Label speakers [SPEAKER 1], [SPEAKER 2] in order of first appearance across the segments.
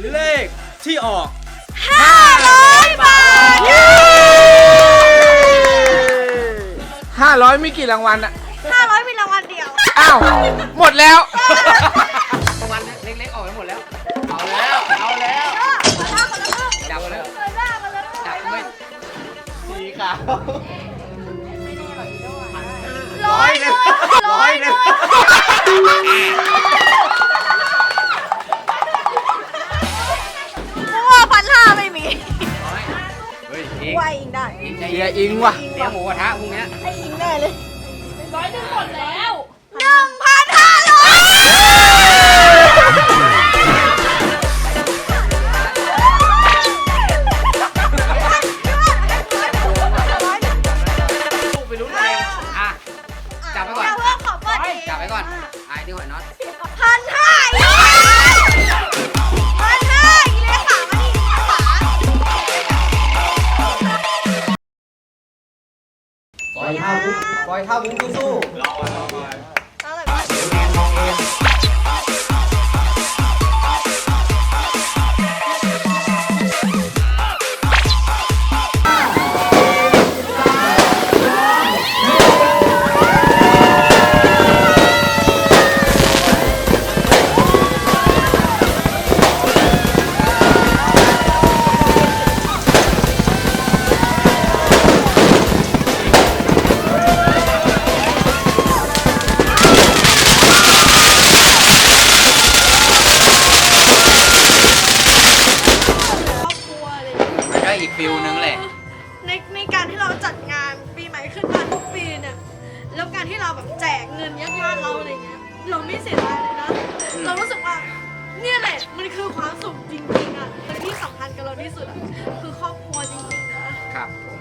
[SPEAKER 1] เลขที่ออก
[SPEAKER 2] 500 บาท
[SPEAKER 3] 500มีกี่รางวัลอะ
[SPEAKER 2] 500มีรางวัลเดียว
[SPEAKER 3] อ้าวหมดแล้ว
[SPEAKER 1] รางวัลเล็กๆออกไปหมดแล้วเอาแล้วจับเลยจับไม่สีขาว100 นึง
[SPEAKER 2] 1,500ไม่มี
[SPEAKER 1] เฮ้ย
[SPEAKER 2] ว่าอิงได้
[SPEAKER 3] เชียร์อิงว่ะ
[SPEAKER 1] เดี๋ยวหมูกระทะพวกเนี้ย
[SPEAKER 2] ให้อิงแน่เลย100 หมดแล้ว
[SPEAKER 1] ไปลุ้นเองอ่ะจับไปก่อน จับไปก่อนไอ้นี่หอยน็อต
[SPEAKER 2] 1,500อีกเลยค่ะมาดิขา
[SPEAKER 1] ปล่อยท่าบุ้งสู้
[SPEAKER 2] เท่าไหร่บ้าง
[SPEAKER 1] แมนมองเองอีกฟิลนึงแหละ
[SPEAKER 2] ในการที่เราจัดงานปีใหม่ขึ้นมาทุกปีเนี่ยแล้วการที่เราแบบแจกเงินญาติเราอะไรเงี้ยเราไม่เสียดายเลยนะเรารู้สึกว่าเนี่ยแหละมันคือความสุขจริงๆอ่ะแต่ที่สำคัญกับเราที่สุดอ่ะคือครอบครัวจริงๆนะครับ
[SPEAKER 1] ผม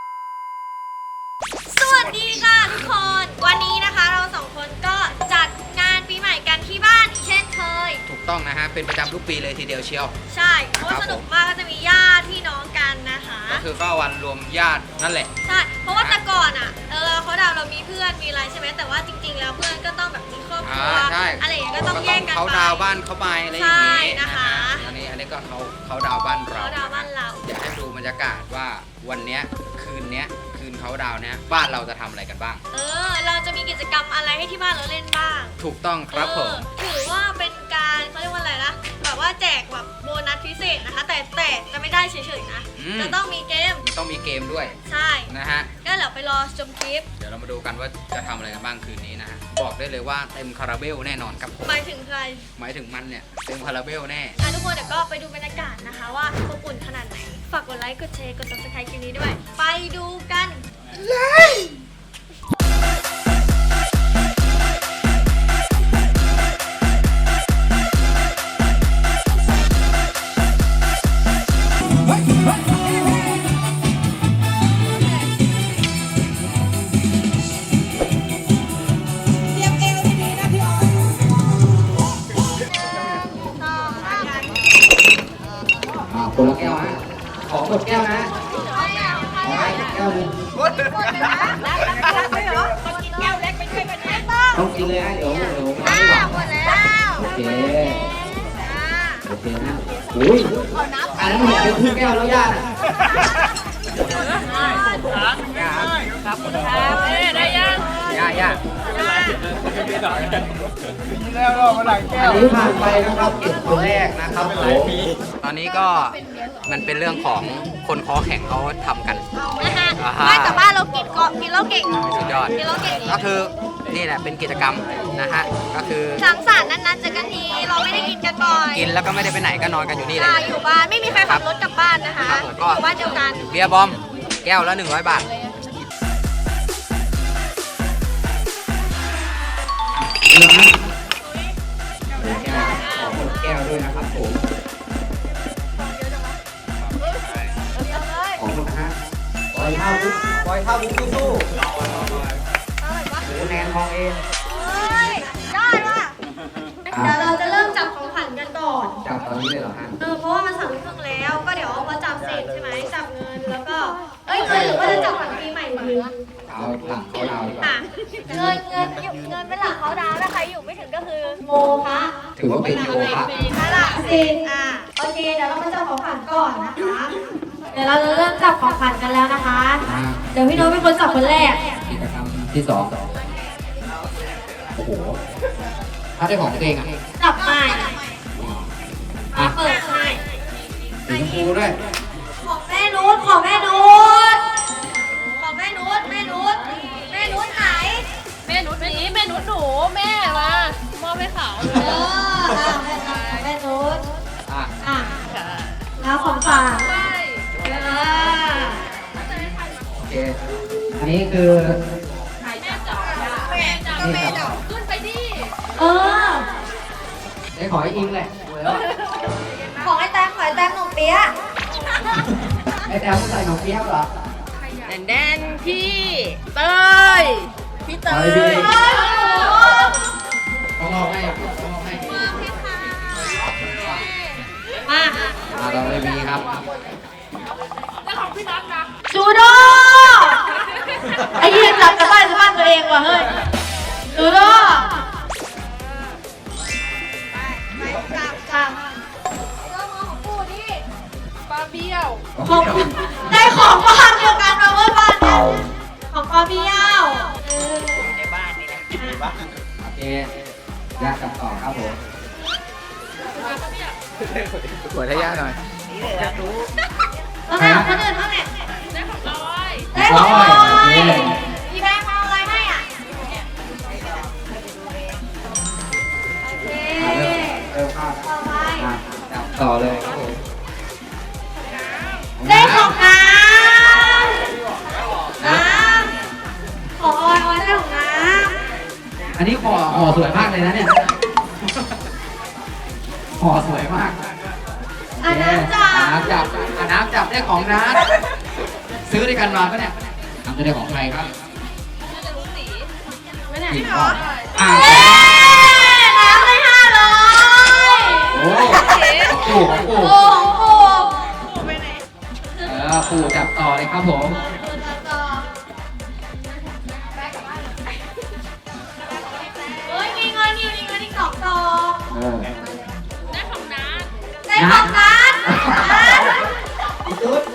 [SPEAKER 2] สวัสดีค่ะทุกคนวันนี้นะคะเราสองคนก็จัดงานปีใหม่กันที่บ้านอีกเช่นเคย
[SPEAKER 1] ถูกต้องนะฮะเป็นประจำทุกปีเลยทีเดียวเชียว
[SPEAKER 2] ใช่เพราะสนุกมากก็จะมีญาติพี่น้องกันนะคะ
[SPEAKER 1] ก็คือก็วันรวมญาตินั่นแหละ
[SPEAKER 2] ใช่เพราะว่าแต่ก่อนอ่ะเขาดาวเรามีเพื่อนมีอะไรใช่ไหมแต่ว่าจริงๆแล้วเพื่อนก็ต้องแบบมีครอบครัวอะไรอย่างเงี้ยก็ต้องแยกกันไป
[SPEAKER 1] เขาดาวบ้านเขาไปอะไรอย่างงี้
[SPEAKER 2] นะคะ
[SPEAKER 1] อันนี้ก็เขาดาวบ้านเรา
[SPEAKER 2] เขาดาวบ้านเรา
[SPEAKER 1] อยากให้ดูบรรยากาศว่าวันเนี้ยคืนเขาดาวเนี้ยบ้านเราจะทำอะไรกันบ้าง
[SPEAKER 2] เราจะมีกิจกรรมอะไรให้ที่บ้านเราเล่นบ้าง
[SPEAKER 1] ถูกต้องครับผม
[SPEAKER 2] ถือว่าเป็นการเขาเรียกว่าอะไรนะแบบว่าแจกแบบโบนัสพิเศษนะคะแต่จะไม่ได้เฉยๆนะจะต้องมีเกม
[SPEAKER 1] ด้วย
[SPEAKER 2] ใช่
[SPEAKER 1] นะฮะ
[SPEAKER 2] ก็เดี๋ยวไปรอชมคลิป
[SPEAKER 1] เดี๋ยวเรามาดูกันว่าจะทำอะไรกันบ้างคืนนี้นะฮะบอกได้เลยว่าเต็มคาราเบลแน่นอนครับ
[SPEAKER 2] หมายถึงใคร
[SPEAKER 1] หมายถึงมันเนี่ยเต็มคาราเบลแน่
[SPEAKER 2] ทุกคนเดี๋ยวก็ไปดูบรรยากาศนะคะว่าอบอุ่นขนาดไหนฝากกดไลค์กดแชร์กด subscribe คลิปนี้ด้วยไปดูกันเลย
[SPEAKER 1] คนละแก้วฮะของหมดแก้วนะแก้วนึงต้องกินเลยฮะเดี๋ยวไม่ไหว
[SPEAKER 2] หมดแล้ว
[SPEAKER 1] โอเคนะอุ้ยอันนั้นหมดเป็นครึ่งแก้วแล้วย่าครับ
[SPEAKER 2] ได้ยัง
[SPEAKER 1] ย่า
[SPEAKER 3] แล้วก็มาหลังแก้ว
[SPEAKER 1] อันนี้ผ่านไปนะครับเก็บตัวแรกนะครับตอนนี้ก็มันเป็นเรื่องของคนคอแข็งเขาทำกัน
[SPEAKER 2] ไม่แต่บ้านเรากินเราเก่ง
[SPEAKER 1] สุดยอด
[SPEAKER 2] กินเราเก่ง
[SPEAKER 1] ก็คือนี่แหละเป็นกิจกรรมนะฮะก็คือ
[SPEAKER 2] สังสรรค์นั้นๆเจอกันทีเราไม่ได้กินกันบ่อย
[SPEAKER 1] กินแล้วก็ไม่ได้ไปไหนก็นอนกันอยู่นี่เลย
[SPEAKER 2] อยู่บ้านไม่มีใครขับรถกลับบ้านนะคะอยู่บ้านเดียวกัน
[SPEAKER 1] เบียร์บอมแก้วละ100 บาทแก้วด้วยนะครับผมของคุณนะฮะปล่อยท่าบุ้งสู้แนนมองเอง
[SPEAKER 2] ได้ว่ะเดี๋ยวเราจะเริ่มจับของขวัญกันก่อน
[SPEAKER 1] จับตอนนี้เลยเหรอฮะ
[SPEAKER 2] เพราะว่ามัน3 ทุ่มแล้วก็เดี๋ยวพอจับเสร็จใช่ไหมจับเงินแล้วก็เงินหรือว่าจะจับขวัญปีใหม่มือ
[SPEAKER 1] เอาเอาหลังเขาดาวดีกว่า
[SPEAKER 4] เงินเป็นหลักเขาดาวถ้าใครอยู่ไม่ถึงก็คือโมคะ
[SPEAKER 1] ถือว่าเป็นโยคะ
[SPEAKER 4] ถ้าหลักสิโอเคเดี๋ยวเรามาจับของขวัญก่อนนะคะ เดี๋ยวเราจะเริ่มจับของขวัญกันแล้วนะคะ เดี๋ยวพี่โน้ตเป็นคนจับคนแรก
[SPEAKER 1] กิจกรรมที่2โอ้โหถ้าได้ของตัวเองอ่ะ
[SPEAKER 4] จับใหม่
[SPEAKER 1] อ่ะ
[SPEAKER 4] เปิดให้
[SPEAKER 1] สีชมพูด้วย
[SPEAKER 4] ของแม่นุชของแม่นุชของแม่นุชแม่นุชแม่นุชไหน
[SPEAKER 5] แม่นุชนี้แม่นุชหนูแม่มามอบให้เขา
[SPEAKER 4] แม่นุช
[SPEAKER 1] อ่ะ
[SPEAKER 4] อ่ะแล้วของฝาก
[SPEAKER 5] ใช่
[SPEAKER 1] โอเคอันนี้คือ
[SPEAKER 5] แม่จ๋าแม่จ๋าขึ้นไปดิ
[SPEAKER 4] เออ
[SPEAKER 1] ได้ขอให้อิงแหละ
[SPEAKER 4] ของไอ้แตงหนุ่มเปี๊ยะ
[SPEAKER 1] ไอ้แต้วใส่หนองเปี๊ยกเหรอ
[SPEAKER 5] แดนพี่เตยพี่เต
[SPEAKER 1] เอา
[SPEAKER 5] ย
[SPEAKER 1] เลยพี่
[SPEAKER 4] เฮ้ยของหนู
[SPEAKER 1] ต้องมอบให้ต้องมอบให้
[SPEAKER 4] มา
[SPEAKER 1] เราเลยมีครับ
[SPEAKER 5] แล้วของพี่น็อตนะ
[SPEAKER 4] จูโดไอ้ยืนจับจะบ้านตัวเองว่ะเฮ้ยจูโดจับแล้วของปู่นี่
[SPEAKER 5] ปลาเบี้ยว
[SPEAKER 4] ของได้ของบ้านเดียวกันมาเมื่อบ้านเนี่ยของปอเบี้ยวในบ้านนี่แหละ
[SPEAKER 1] โอเคยากกันต่อครับผม
[SPEAKER 3] สวยทายาทหน่อย
[SPEAKER 4] แล้วไหนของคนอื่นบ้างเนี่ย
[SPEAKER 5] ได้ของลอย
[SPEAKER 4] ได้ของลอยพี่แบงค์มาเอาอะไรให้อ่ะโอเค
[SPEAKER 1] เริ่มครับ
[SPEAKER 4] ต่อไป
[SPEAKER 1] จับต่อเลยครับผม
[SPEAKER 4] ได้ของน้ำของออยได้ของน้
[SPEAKER 1] อันนี้ห่อสวยมากเลยนะเนี่ยห่อสวยมาก
[SPEAKER 4] ำอันน้ำจ้า
[SPEAKER 1] น้ำจับน้ำจับได้ของน้าซื้อด้วยกันมาปะเนี่ยน้ำจะได้ของใครครับ
[SPEAKER 5] น่าจะรู้สี
[SPEAKER 4] ไม่เนี่ย
[SPEAKER 1] กินก่อนอ่า
[SPEAKER 4] เอ๊ะน้ำได้500
[SPEAKER 1] โอ้ปู่ของปู่
[SPEAKER 4] โอ้โห
[SPEAKER 1] ปู่จับต่อเลยครับผม
[SPEAKER 4] เฮ้ยมีเงินอีก2 ต่อ
[SPEAKER 5] ได้ของน้า
[SPEAKER 4] ได้ของนัด
[SPEAKER 1] อีกตุ๊ด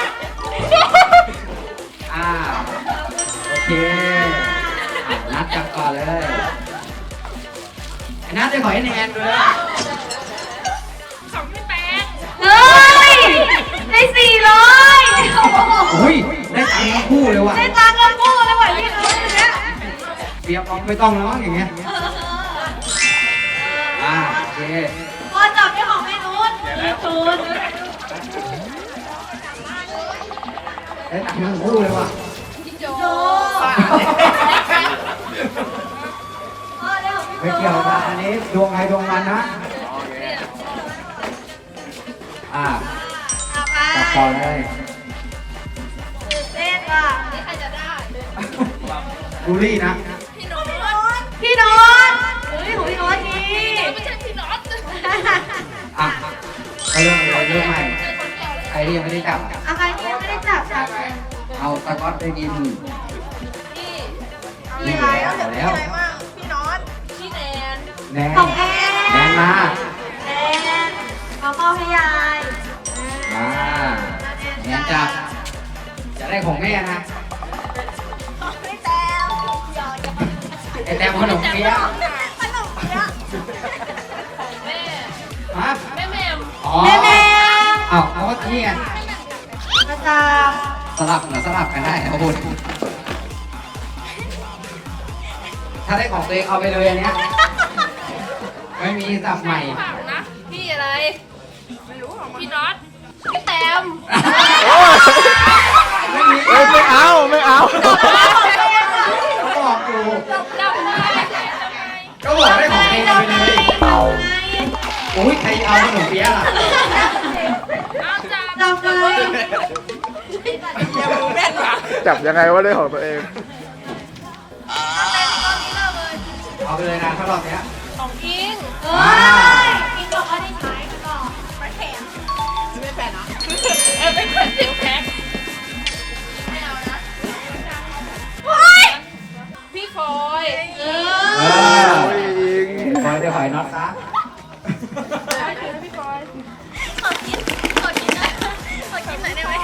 [SPEAKER 1] โอเคนัดจับก่อนเลยไอ้นัดได้ขอให้แนนด้วย
[SPEAKER 5] ของพี่แป๊ก
[SPEAKER 4] เฮ้ยได้400
[SPEAKER 1] อุ้ยได้ตังค์ทั้งคู่เลยว่ะ
[SPEAKER 4] ได้ตังค์กันคู่เลยว่ะพี่น้องเนี่ย
[SPEAKER 1] เสียบออกไม่ต้องแล้วมั้งอย่างเงี้ยโอเค
[SPEAKER 4] พอจับได้ของแม่นุชมีทุน
[SPEAKER 1] ได้ตังค์ทั้งคู่เลยว่ะ
[SPEAKER 4] โจพ่อได้ของพี่
[SPEAKER 1] ไม่
[SPEAKER 4] โจ
[SPEAKER 1] เกี่ยวนะอันนี้ดวงใครดวงมันนะ
[SPEAKER 4] ต่อไป
[SPEAKER 1] จับต่อเลย
[SPEAKER 4] ตื่นเต้นว่ะ
[SPEAKER 5] นี่ใครจะได้
[SPEAKER 1] บูลลี่นะ
[SPEAKER 5] พี่โน้ต
[SPEAKER 4] พี่โน้ตเฮ้ยของพี่โน้ตนี่
[SPEAKER 5] ไม่ใช่พี่น็อต
[SPEAKER 1] อ่ะก็เรื่องอะไรเรื่องใหม่ใครที่ยังไม่ได้จับ
[SPEAKER 4] อะไรที่ยังไม่ได้จับจับเลย
[SPEAKER 1] เอาสก๊อตไปกิน
[SPEAKER 5] พี่
[SPEAKER 1] นี่แล้วแล้ว
[SPEAKER 5] พี่แนน
[SPEAKER 1] แนน
[SPEAKER 4] ของแอน
[SPEAKER 1] แนนมา
[SPEAKER 4] แอนขอมอบให้ยาย
[SPEAKER 1] แนนจับจะได้ของแม่นะ
[SPEAKER 4] ไม่แต้ว
[SPEAKER 1] ไอ้แต้มขนมเปี๊ยะ
[SPEAKER 4] ขนมเปี๊ยะ
[SPEAKER 5] แม่
[SPEAKER 1] ฮะ
[SPEAKER 5] แม่แมม
[SPEAKER 1] อ๋อ
[SPEAKER 4] แม่แม่
[SPEAKER 1] เอาก็นี่ไง
[SPEAKER 4] มาจับ
[SPEAKER 1] สลับเหรอสลับกันได้นะคุณถ้าได้ของตัวเองเอาไปเลยอันเนี้ยไม่มีสับใหม่
[SPEAKER 5] ฝากนะพี่อะไรไม่รู้ของพี่น็อตพี่แตม
[SPEAKER 1] ไม่มี
[SPEAKER 3] เอ้ยไม่เอา ไม่เอา
[SPEAKER 1] ก็บอกอยู่
[SPEAKER 5] จำได้
[SPEAKER 1] ก็บอกได้ของตัวเองเอาไปเลยโอ้ยใครเอาขนมเปี๊ยะล่ะ
[SPEAKER 5] เอาจับ
[SPEAKER 4] จับเลย
[SPEAKER 3] จับยังไงว่าได้ของตัวเอง
[SPEAKER 1] เอาไปเลยนะถ้ารอบเนี้ย
[SPEAKER 5] ของอิง
[SPEAKER 4] เฮ้ยกินบอกว่าได้ใช้ก่อนไม่แถม
[SPEAKER 5] เป็นคนเสียวแพ็คไม่เอานะ
[SPEAKER 4] ว้า
[SPEAKER 1] อยน็อตซะ
[SPEAKER 5] ขอกินหน่อยได้ไหม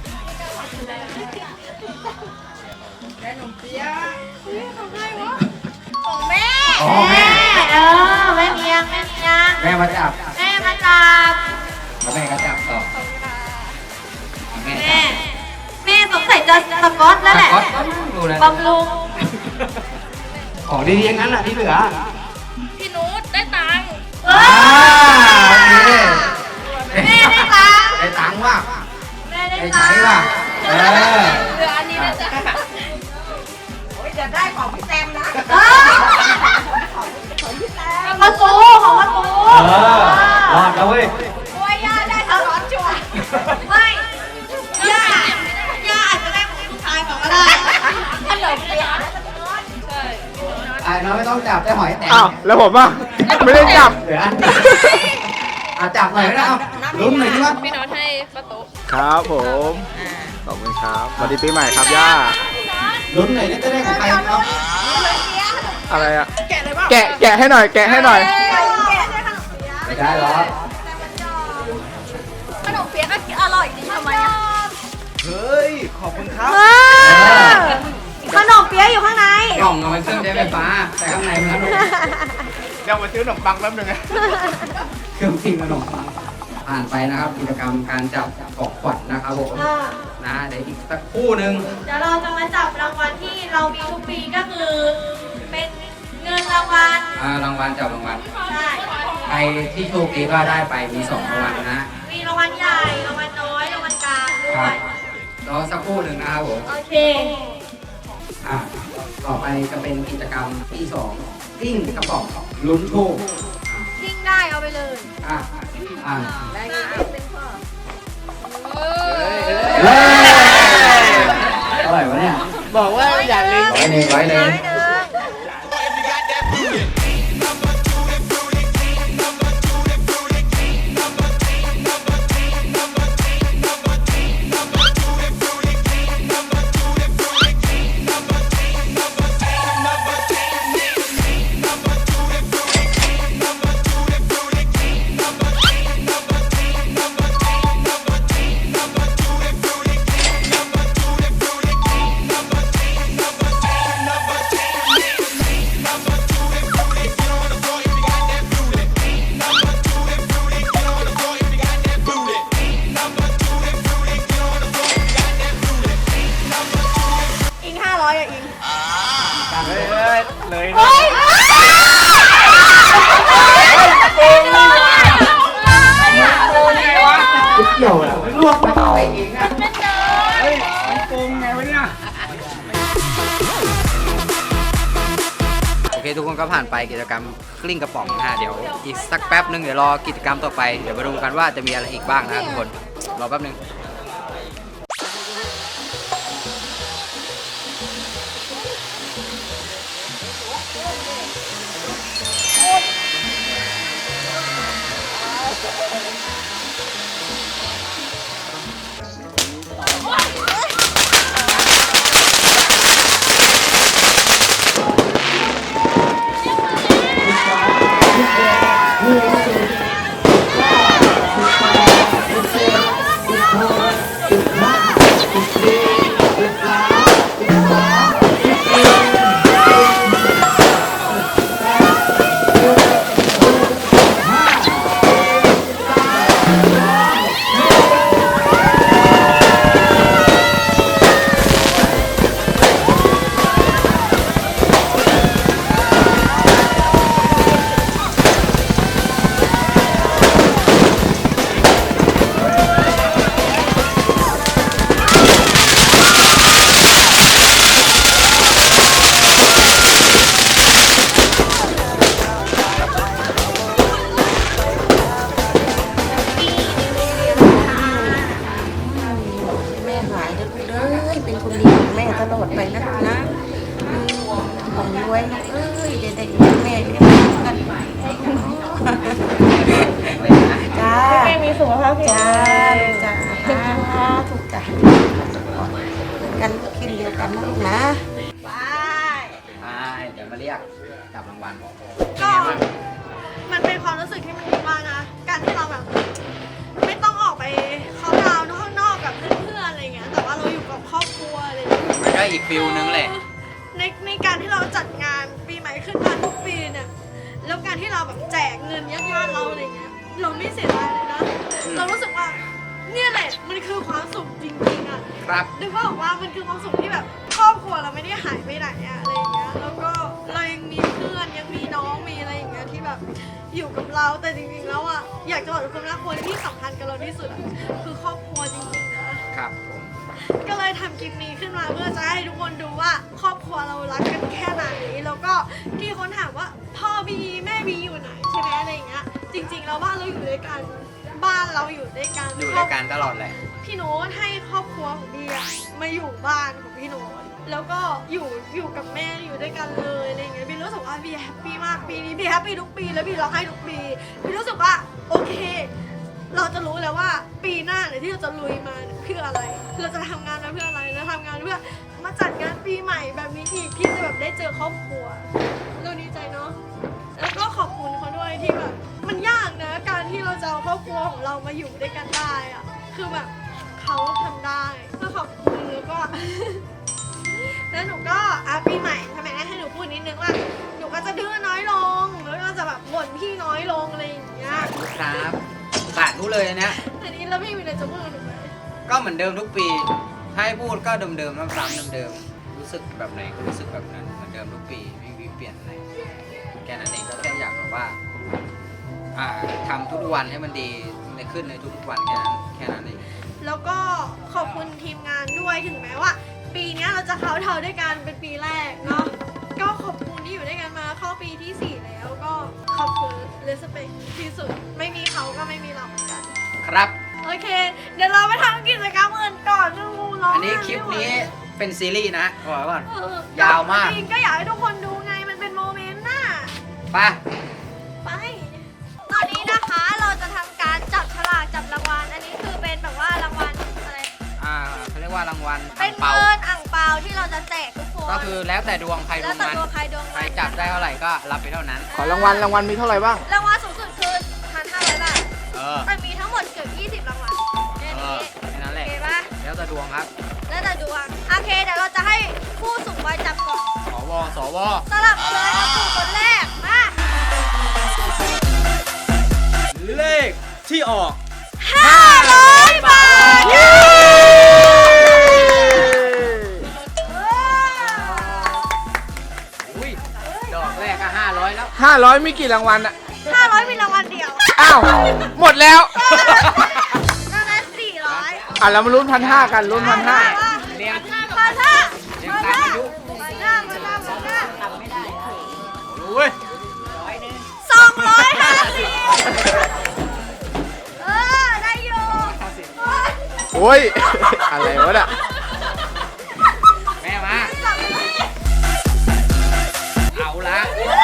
[SPEAKER 5] ของแม่
[SPEAKER 1] อ๋อแม่
[SPEAKER 4] แม่เมียง
[SPEAKER 1] แม่มาจับ
[SPEAKER 4] แม่มาจับ
[SPEAKER 1] แล้วแม่ก็จับต่อแม่
[SPEAKER 4] แม่สงสัยจะสก๊อตแล้วแหละ
[SPEAKER 1] ก็ดูนะ
[SPEAKER 4] บำรุง
[SPEAKER 1] ของดีๆอย่างนั้นแหละที่เหลือ
[SPEAKER 5] พี่นุชได้ตังค์
[SPEAKER 1] อ่าโอเค
[SPEAKER 4] แม่ได้ตังค์
[SPEAKER 1] ได้ตังค์ว่ะ
[SPEAKER 4] แม่ได้
[SPEAKER 1] ได้
[SPEAKER 4] ตั
[SPEAKER 1] ใช้
[SPEAKER 4] งค์
[SPEAKER 1] ว่ะเออ
[SPEAKER 5] เหลืออันนี้นะจ๊ะ
[SPEAKER 4] ของประตูของประตู
[SPEAKER 1] รอดแล้วเว้ย
[SPEAKER 4] โอ้ยย่าได้สก๊อตชัวร์ไม่ย่าอาจจะได้ของลูกชายของก็ได้ขนมเปี๊ยะ
[SPEAKER 5] ใช่
[SPEAKER 1] น้องไม่ต้องจับได้หอยแตก
[SPEAKER 3] อ้าว แล้วผมอ่ะ ไม่ได้จับ
[SPEAKER 1] เหลืออันเดียวจับหน่อยก็ได้เอาลุ้นหน่อยดิว่า
[SPEAKER 5] พี่น้องให้ประตู
[SPEAKER 3] ครับผม ขอบคุณครับสวัสดีปีใหม่ครับย่า
[SPEAKER 1] ลุ้นหน่อยจะได้ของใครเอา
[SPEAKER 3] อะไรอ่ะ แกะให้หน่อย แกะให้หน่อย
[SPEAKER 1] ไม่ได้หรอ
[SPEAKER 5] ขนมเปี๊ยะก็อร่อยจริงทำไมอ่ะ
[SPEAKER 4] ขนมเปี๊ยะอยู่ข้างใน
[SPEAKER 1] กล่องเอาไว้เครื่องใช้ไฟฟ้า แต่ข้างในมันขนม
[SPEAKER 3] เดี๋ยวมาซื้อขนมปังแป๊บนึงนะ
[SPEAKER 1] เครื่องพิมพ์ขนมปังผ่านไปนะครับกิจกรรมการจับของขวัญนะครับผมนะเดี๋ยวอีกสักครู่หนึ่ง
[SPEAKER 4] เดี๋ยวเราจะมาจับรางวัลที่เรามีทุกปีก็คือ เป็นเงินรางวัล
[SPEAKER 1] รางวัลจับรางวัล
[SPEAKER 4] ใช่
[SPEAKER 1] ใครที่โชคดีก็ได้ไปมี2รางวัลนะ
[SPEAKER 4] มีรางวัลใหญ่รางวัลน้อยรางวัลกลางด้
[SPEAKER 1] ครั
[SPEAKER 4] ว
[SPEAKER 1] บ
[SPEAKER 4] ย
[SPEAKER 1] รอสักครู่หนึ่งนะครับผม
[SPEAKER 4] โอเค
[SPEAKER 1] ต่อไปจะเป็นกิจกรรมที่2กิ้งกระป๋องลุ้นโชค
[SPEAKER 4] ทิ้งได้เอาไปเลย
[SPEAKER 1] อ่ะอ่ะ
[SPEAKER 5] เอ
[SPEAKER 1] เฮ้ยอะไรวะเนี่ย
[SPEAKER 3] บอกว่าอย่าลืม
[SPEAKER 1] ไว้เลย
[SPEAKER 2] อิง500อ่ะอิง
[SPEAKER 3] เลย
[SPEAKER 2] เฮ้ย
[SPEAKER 1] เกี่ยวเหรอไม่ลวกไปต่อเองอ่ะ
[SPEAKER 3] เฮ้ยมันโกงไงวะเนี่ย
[SPEAKER 1] โอเคทุกคนก็ผ่านไปกิจกรรมกลิ้งกระป๋องนะฮะเดี๋ยวอีกสักแป๊บนึงเดี๋ยวรอกิจกรรมต่อไปเดี๋ยวมาดูกันว่าจะมีอะไรอีกบ้างนะทุกคนรอแป๊บนึง
[SPEAKER 6] แม่หายนะลูกเอ้ยเป็นคนดีของแม่ตลอดไปนะลูกนะของรวยลูกเอ้ยเดี๋ยวได้เลี้ยงแม่เลี้ยงลูกกันจ้าแม่มีสุขภาพจ้าลูกจ้าถูกจ้ากันกินเดียวกันนะลูกนะ
[SPEAKER 1] เดี๋ยวมาเรียกจับรางวัลเป็นไงบ้าง
[SPEAKER 2] มันเป็นความรู้สึกที่มันดีมากนะการที่เราแบบไม่ต้องออกไปเขาน์ดาวน์ข้างนอกกับเพื่อนๆอะไรเงี้ยแต่ว่าเราอยู่กับครอบครัวอะไรเงี้ย
[SPEAKER 1] มันก็อีกฟิลนึงแหละ
[SPEAKER 2] ในการที่เราจัดงานปีใหม่ขึ้นมาทุกปีเนี่ยแล้วการที่เราแบบแจกเงินญาติๆเราอะไรเงี้ยเราไม่เสียดายเลยนะเรารู้สึกว่าเนี่ยแหละมันคือความสุขจริงๆอ่ะ
[SPEAKER 1] ครับ
[SPEAKER 2] นึกว่าบอกว่ามันคือความสุขที่แบบครอบครัวเราไม่ได้หายไปไหนอะอะไรอย่างเงี้ยแล้วก็เรายังมีเพื่อนยังมีน้องมีอะไรอย่างเงี้ยที่แบบอยู่กับเราแต่จริงๆแล้วอะอยากจะบอกทุกคนว่าคนที่สำคัญกับเราที่สุดอะคือครอบครัวจริงๆนะครับ
[SPEAKER 1] ผม
[SPEAKER 2] ก็เลยทำคลิปนี้ขึ้นมาเพื่อจะให้ทุกคนดูว่าครอบครัวเรารักกันแค่ไหนแล้วก็ที่คนถามว่าพ่อบีแม่บีอยู่ไหนใช่ไหมอะไรอย่างเงี้ยจริงๆแล้วบ้านเราอยู่ด้วยกันบ้านเราอยู่ด้วยกัน
[SPEAKER 1] อยู่ด้วยกันตลอดเลย
[SPEAKER 2] พี่โน้ตให้ครอบครัวของบีอะมาอยู่บ้านของพี่โน้ตแล้วก็อยู่กับแม่อยู่ด้วยกันเลยอะไรอย่างเงี้ยบีรู้สึกว่าบีแฮปปี้มากปีนี้บีแฮปปี้ทุกปีแล้วบีร้องไห้ทุกปีบีรู้สึกว่าโอเค เราจะรู้แล้วว่าปีหน้าเนี่ยที่เราจะลุยมาเพื่ออะไร เราจะทำงานมาเพื่ออะไรเราทำงานเพื่อมาจัดงานปีใหม่แบบนี้อีกที่จะแบบได้เจอครอบครัวเราดีใจเนาะแล้วก็ขอบคุณเขาด้วยที่แบบมันยากนะการที่เราจะเอาครอบครัวของเรามาอยู่ด้วยกันได้อะคือแบบเขาทำได้ก็ขอบคุณแล้วก็ แล้วหนูก็ปีใหม่ทำไมให้หนูพูดนิดนึงว่าหนูก็จะดื้อน้อยลงแล้วก็จะแบบบ่นพี่น้อยลงอะไรอย่างเงี้ย
[SPEAKER 1] ครับสาธุเลยอันเนี้ย
[SPEAKER 2] อันนี้แล้วพี่มีอะไรจะพูดกับหนูไหม
[SPEAKER 1] ก็เหมือนเดิมทุกปีถ้าให้พูดก็เดิมๆซ้ำๆเดิมๆรู้สึกแบบไหนก็รู้สึกแบบนั้นเหมือนเดิมทุกปีไม่มีเปลี่ยนอะไรแค่นั้นเองก็แค่อยากแบบว่าทำทุกวันให้มันดีขึ้นในทุกๆวันแค่นั้นเอง
[SPEAKER 2] แล้วก็ขอบคุณทีมงานด้วยถึงแม้ว่า ปีนี้เราจะเขาน์ดาวน์ด้วยกันเป็นปีแรกเนาะก็ขอบคุณที่อยู่ด้วยกันมาเข้าปีที่ 4 แล้วก็ขอบคุณเลสเปคที่สุดไม่มีเขาก็ไม่มีเราเหมือนกัน
[SPEAKER 1] ครับ
[SPEAKER 2] โอเค เดี๋ยวเราไปทำกิจกรรมอื่นก่อนนึงงูร้อง
[SPEAKER 1] อันนี้คลิปนี้เป็นซีรีส์นะบอกไว้ก่อน
[SPEAKER 2] ย
[SPEAKER 1] าวมาก
[SPEAKER 2] จริงก็อยากให้ทุกคนดูไงมันเป็นโมเมนต์น่ะ
[SPEAKER 1] ไป
[SPEAKER 2] ไป ตอนนี้นะคะเราจะทำการจับฉลากจับรางวัลอันนี้คือเป็นแบบว่ารางวัลอะไร
[SPEAKER 1] เขาเรียกว่ารางวัล
[SPEAKER 2] เป็น
[SPEAKER 1] เปา
[SPEAKER 2] เงินอ่างเปาที่เราจะแจกทุกคน
[SPEAKER 1] ก็คือแล้วแต่ดวงใครด
[SPEAKER 2] แล้ว
[SPEAKER 1] วง
[SPEAKER 2] แต่
[SPEAKER 1] มัน
[SPEAKER 2] ตัวใครดวง
[SPEAKER 1] ใคร
[SPEAKER 2] มัน
[SPEAKER 1] จับได้เท่าไหร่ก็รับไปเท่านั้น
[SPEAKER 3] ขอรางวัลมีเท่าไหร่บ้าง
[SPEAKER 2] รางวัลสูงสุดคือ 1,500 บาท
[SPEAKER 1] เออ
[SPEAKER 2] แต่มีทั้งหมดเกือบ20 รางวัลแค่
[SPEAKER 1] เอ
[SPEAKER 2] นี้
[SPEAKER 1] อแค่นั้นแห
[SPEAKER 2] โอ
[SPEAKER 1] ละ
[SPEAKER 2] เคปะ
[SPEAKER 1] แล้วแต่ดวงครับ
[SPEAKER 2] แล้วแต่ดวงโอเคเดี๋ยวเราจะให้ผู้สูงวัยจับก่อน
[SPEAKER 1] สว
[SPEAKER 2] สลับเลยเอาสู่คนแรกมา
[SPEAKER 7] เลขที่ออก
[SPEAKER 2] 500 บาทเย้
[SPEAKER 1] อุ้ยดอกแรกก็500แล้ว
[SPEAKER 3] 500มีกี่รางวัลอะ
[SPEAKER 2] 500มีรางวัลเดียว
[SPEAKER 3] อ้าว หมดแล้ว
[SPEAKER 2] รางวัล400
[SPEAKER 3] เรามาลุ้น1,500กันลุ้น1,500
[SPEAKER 1] เรียง
[SPEAKER 2] พันห้า
[SPEAKER 1] เรียงตามอายุ
[SPEAKER 2] พันห้า250 ได้อยู่
[SPEAKER 3] โอ้ย อะไรวะเนี่ย
[SPEAKER 1] แม่มาเอาละ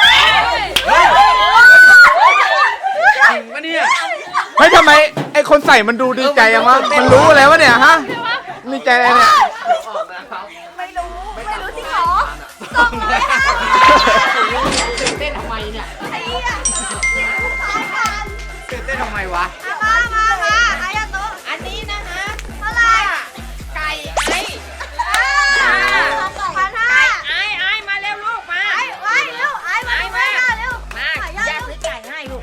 [SPEAKER 1] จริงปะเนี่ย
[SPEAKER 3] เฮ้ยทำไมไอคนใส่มันดูดีใจยังวะ มันรู้แล้ววะเนี่ยฮะดีใจอะไรเนี่ย
[SPEAKER 2] ไม่รู้จริงเหรอ250
[SPEAKER 1] ตื่นเต้นทำไมเนี่ย
[SPEAKER 2] ไอ้เหี้ยสายพัน
[SPEAKER 1] ตื่นเต้นทำไมวะ
[SPEAKER 2] มาอายาโตะอันนี้นะคะเท่าไหร่ไก่ไอ้1,500ไอ้มาเร็วลูกมาไอ้เร็วไอ้มาเร็วมาย่าซื้อไก่ให้ลูก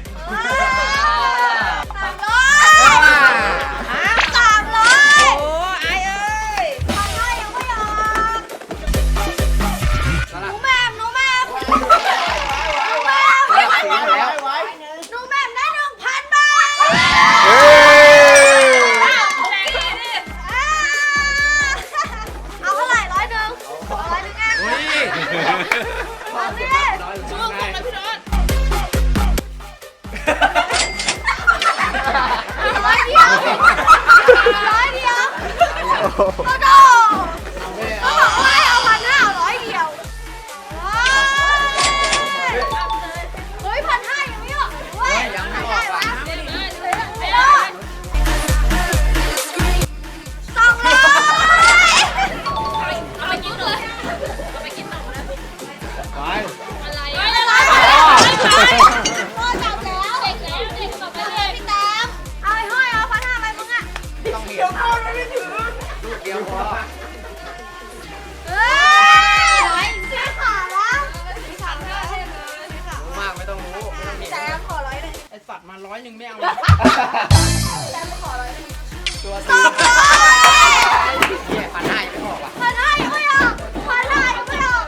[SPEAKER 2] 300 โอ้ไอ้เอ้ย300ยังไม่ออกหมูแม่
[SPEAKER 1] เดียวพอ
[SPEAKER 2] เฮ้ยซื้อขาแล้ว
[SPEAKER 1] รู้มากไม่ต้องรู้ไม่ต้องเห็น
[SPEAKER 2] แซมขอ100เลย
[SPEAKER 7] ไอสัตว์มา100ไม่เอา
[SPEAKER 2] แซมขอ100เลย
[SPEAKER 1] ตัว
[SPEAKER 2] สองร้อย
[SPEAKER 1] เนี่ยพันห้ายังไม่บอกว่ะ
[SPEAKER 2] พันห้ายังไม่ออกพันห้ายังไม่ออก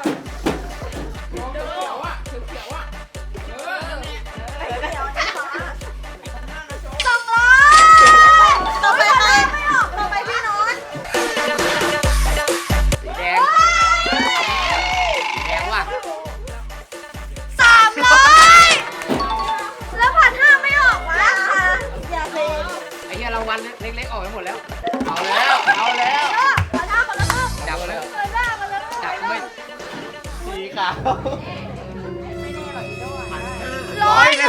[SPEAKER 2] 200ต่อไปใครไม่ออกต่อไปพี่โน้ต
[SPEAKER 1] สีแดงสีแดงว่ะ
[SPEAKER 2] 300แล้วพันห้าไม่ออกวะอย่าเพลง
[SPEAKER 1] ไอ้เหี้ยรางวัลเล็กๆออกไปหมดแล้ว เอาแล้วเอาแล้ว
[SPEAKER 2] พันห้าคนละครึ่ง
[SPEAKER 1] จับแล้ว
[SPEAKER 2] เกินหน้ามาเลย
[SPEAKER 1] จับไม่
[SPEAKER 3] สีขาว
[SPEAKER 2] 100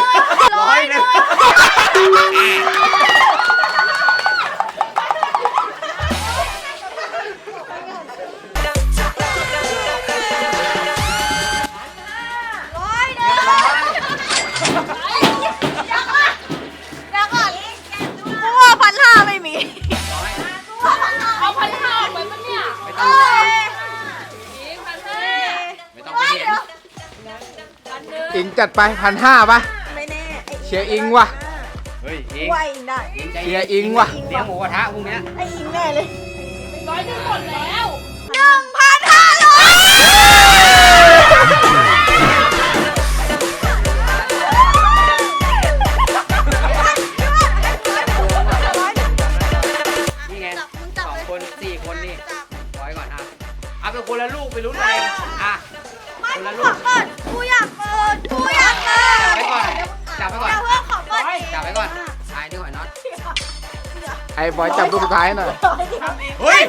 [SPEAKER 2] พันห้าไม่มี
[SPEAKER 1] ร้อย
[SPEAKER 5] เอาพันห้าออกไปปะเนี่ย
[SPEAKER 1] ไม่ต้อง
[SPEAKER 5] นี่พันห้า
[SPEAKER 1] ไม่ต้องไปเห็น
[SPEAKER 5] พันหนึ่ง
[SPEAKER 3] อิงจัดไป1,500ป่ะ
[SPEAKER 2] ไม่แน่
[SPEAKER 3] เชียร์อิงว่ะ
[SPEAKER 1] เฮ้ยอิง
[SPEAKER 2] ว่าอิงได้
[SPEAKER 1] อิงใจ
[SPEAKER 3] เชี
[SPEAKER 1] เย็
[SPEAKER 3] ย
[SPEAKER 1] น
[SPEAKER 3] ร์อิงว่ะ
[SPEAKER 1] เลี้ยงหมูกระทะพรุ่งเนี้ย
[SPEAKER 2] ไออิงแน่เลย
[SPEAKER 5] 100หมดแล้ว
[SPEAKER 1] นี่ไง2 คน4 คนนี่ร้อยก่อนอ่ะเอาไปคนละลูกไปลุ้นอะไรอ่ะ
[SPEAKER 2] ไม่
[SPEAKER 1] คนละ
[SPEAKER 2] ข
[SPEAKER 1] ลู
[SPEAKER 2] อก เปิดกูอยากเปิดกูอยากเปิด
[SPEAKER 1] จับไว้ก่อนจับไว้ก่อน
[SPEAKER 2] เดี๋ยวเพื่อนขอเปิดเอง
[SPEAKER 1] จับไว้ก่อนทายนี่หอยน็อต
[SPEAKER 3] ไอ้บอยจับลูกสุดท้ายหน่อย
[SPEAKER 1] เฮ้ย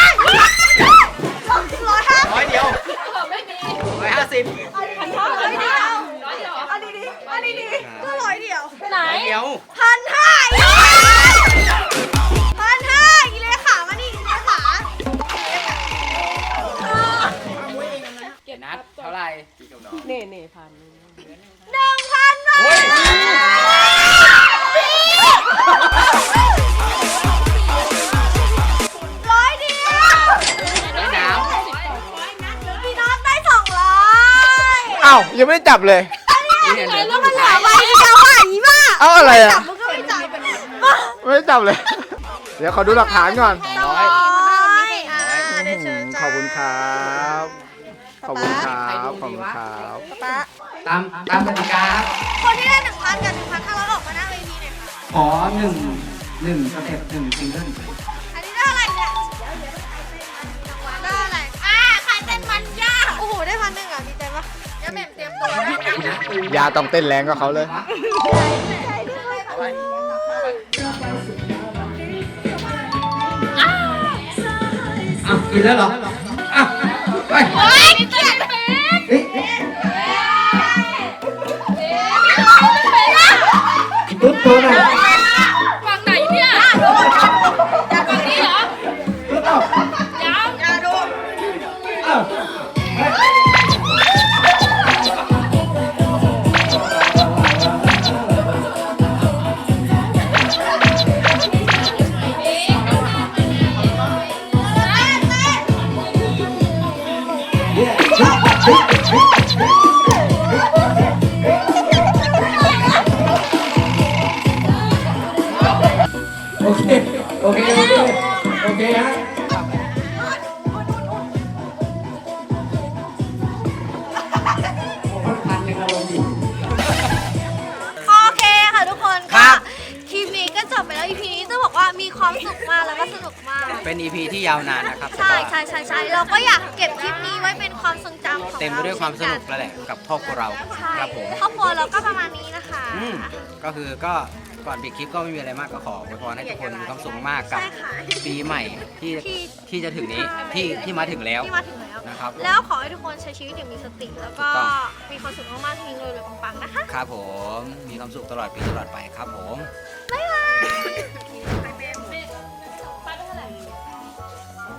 [SPEAKER 2] 150
[SPEAKER 1] ร้อยเดียว
[SPEAKER 5] ไม่มี
[SPEAKER 1] 150
[SPEAKER 2] 100เดียว
[SPEAKER 5] 100เดียว
[SPEAKER 2] อันนี้ดีอันนี้ดีก็100เดียว
[SPEAKER 5] ไหน
[SPEAKER 1] ร้อยเดียว
[SPEAKER 2] 1,500อีเลขามานี่อีเลขา
[SPEAKER 1] นัดเท่าไหร่
[SPEAKER 2] 1,000 บา
[SPEAKER 1] เฮ้ย
[SPEAKER 2] ท100เดียว
[SPEAKER 1] ได้น้
[SPEAKER 2] พี่น็อตได้200
[SPEAKER 3] เอ้ายังไม่ได้จับเลย
[SPEAKER 1] ำนี่เห็นไหม
[SPEAKER 2] แล้วมันเหลือใบเดียวอ่ะอีบ้า
[SPEAKER 3] เอาอะไรอ่ะ
[SPEAKER 2] จับมันก็ไม่จับ
[SPEAKER 3] ไม่ได้จับเลย เดี๋ยวขอดูหลักฐานก่อน
[SPEAKER 1] ร้อย
[SPEAKER 2] เดี๋ยวเชิญจ้า
[SPEAKER 3] ขอบคุณครับ ขอบคุณครับ ขอบคุณครับ
[SPEAKER 2] ป๊า
[SPEAKER 1] ตามกติกาครับ
[SPEAKER 2] คนที่ได้ 1,000 กับ 1,500ออกมาหน้าเวทีหน่อยค่ะ
[SPEAKER 1] ขอ1สเต็ป1ซิงเกิล
[SPEAKER 2] อันนี้ได้อะไรเนี่ยได้อะไรใครเต้นมันยากโอ้โห ได้1,000อ่ะ ดีใจปะยังแม่เตรียมตัวนะ
[SPEAKER 3] ยาต้องเต้นแรงกับเขาเลย
[SPEAKER 1] อ้าวกินแล้วเหรออ้าวไป
[SPEAKER 5] โอ๊ยนี่เต้นเป็น
[SPEAKER 1] เฮ้ย ตุ๊ดตัวหน่อย
[SPEAKER 5] ฝั่งไหนเนี่ยฝั่งนี้เหรอ
[SPEAKER 1] ตุ๊ดเอ้า
[SPEAKER 5] ยัง
[SPEAKER 1] เอ้า โอเค โอเค โอเค โอเคฮะ
[SPEAKER 2] โอเคค่ะทุกคน
[SPEAKER 1] ครั
[SPEAKER 2] ก็
[SPEAKER 1] บ
[SPEAKER 2] คลิปนี้ก็จบไปแล้ว EP นี้จะบอกว่ามีความสุขมากแล้วก็สนุกมาก
[SPEAKER 1] เป็น EP ที่ยาวนานนะครับ
[SPEAKER 2] ใช่ใช่ใช่ใช่เราก็อยากเก็บคลิปนี้ไว้เป็นความทรงจำของเรา
[SPEAKER 1] เต็มไปด้วยความสนุกแล้วแหละกับครอบครัวเรา
[SPEAKER 2] ใช่
[SPEAKER 1] ครับผม
[SPEAKER 2] ครอบครัวเราก็ประมาณนี้นะคะ
[SPEAKER 1] ก็คือก็ก่อนปิดคลิปก็ไม่มีอะไรมากก็ขออวยพรให้ทุกคนมีความสุขมากกับ
[SPEAKER 2] ใช่ค่ะ
[SPEAKER 1] ปีใหม่ที่จะถึงนี้ที่มาถึงแล้ว
[SPEAKER 2] ที่มาถึงแล้ว
[SPEAKER 1] นะครับ
[SPEAKER 2] แล้วขอให้ทุกคนใช้ชีวิตอย่างมีสติ แล้วก็
[SPEAKER 1] ถูกต้อง
[SPEAKER 2] มีความสุขมากๆมีเงินเลยปังๆนะคะ
[SPEAKER 1] ครับผมมีความสุขตลอดปีตลอดไปครับผม
[SPEAKER 2] บ๊ายบาย